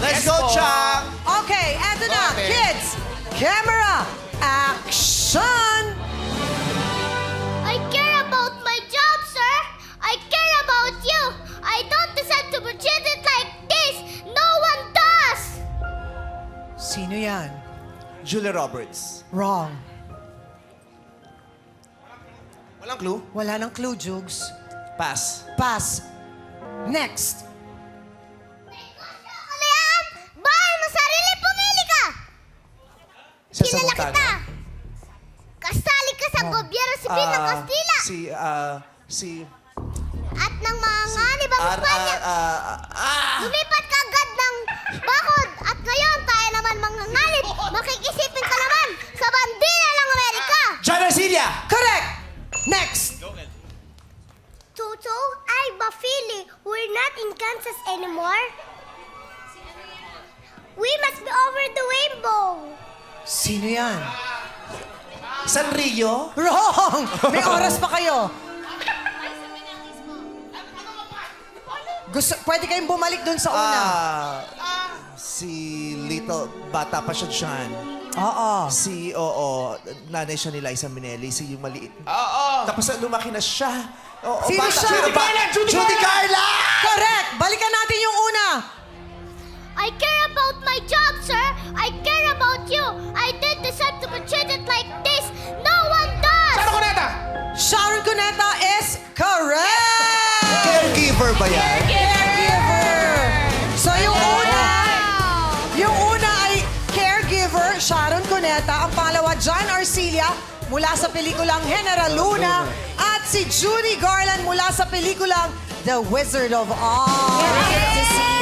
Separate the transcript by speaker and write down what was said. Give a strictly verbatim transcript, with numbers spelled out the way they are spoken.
Speaker 1: Let's
Speaker 2: Yes
Speaker 1: go,
Speaker 2: po.
Speaker 1: Chang!
Speaker 3: Okay, eto na.
Speaker 2: Okay.
Speaker 3: Kids, camera, action!
Speaker 4: I care about my job, sir. I care about you. I don't deserve to be treated like this. No one does.
Speaker 3: Sino yan?
Speaker 1: Julia Roberts.
Speaker 3: Wrong.
Speaker 1: Walang clue?
Speaker 3: Wala nang clue, Jugs.
Speaker 1: Pass.
Speaker 3: Pass. Next.
Speaker 4: Ano yan? Bahay mo sarili, pumili ka.
Speaker 1: Isa sa
Speaker 4: Kilala
Speaker 1: Montana.
Speaker 4: kita. Kasali ka sa gobyerno sibil ng
Speaker 1: Ah,
Speaker 4: Kastila.
Speaker 1: Si, ah, si...
Speaker 4: At ng mga nganib ang
Speaker 1: Ar,
Speaker 4: Espanya.
Speaker 1: ah, ah, ah!
Speaker 4: Lumipat ka agad ng bakod. At ngayon, tayo naman mga nganib. Makikisipin ka naman sa bandila ng Amerika.
Speaker 1: John Arcilia!
Speaker 3: Correct! Next.
Speaker 4: Toto, ay Bafili, we're not in Kansas anymore. We must be over the rainbow.
Speaker 3: Sino yan?
Speaker 1: San Rio?
Speaker 3: Wrong! May oras pa kayo. Gusto, pwede kayong bumalik dun sa una.
Speaker 1: Ah, si Little, bata pa siya dyan.
Speaker 3: Oo.
Speaker 1: Si, oo, nanay siya ni Liza Minnelli, si yung maliit.
Speaker 2: Oo.
Speaker 1: Tapos lumaki na siya. Oo,
Speaker 3: Sino
Speaker 1: bata-
Speaker 3: siya?
Speaker 1: Sino ba?
Speaker 2: Judy Garland! Judy
Speaker 1: Judy Garland!
Speaker 3: Correct! Balikan natin yung una.
Speaker 4: I care about my job, sir. I care about you. I don't deserve to be treated like this. No one does.
Speaker 2: Saan ako nata?
Speaker 3: Sharon Cuneta is correct!
Speaker 1: Caregiver ba yan?
Speaker 3: Caregiver! So yung una, yung una ay caregiver, Sharon Cuneta. Ang pangalawa, John Arcilia, mula sa pelikulang General Luna. At si Judy Garland mula sa pelikulang The Wizard of Oz.
Speaker 4: Yes.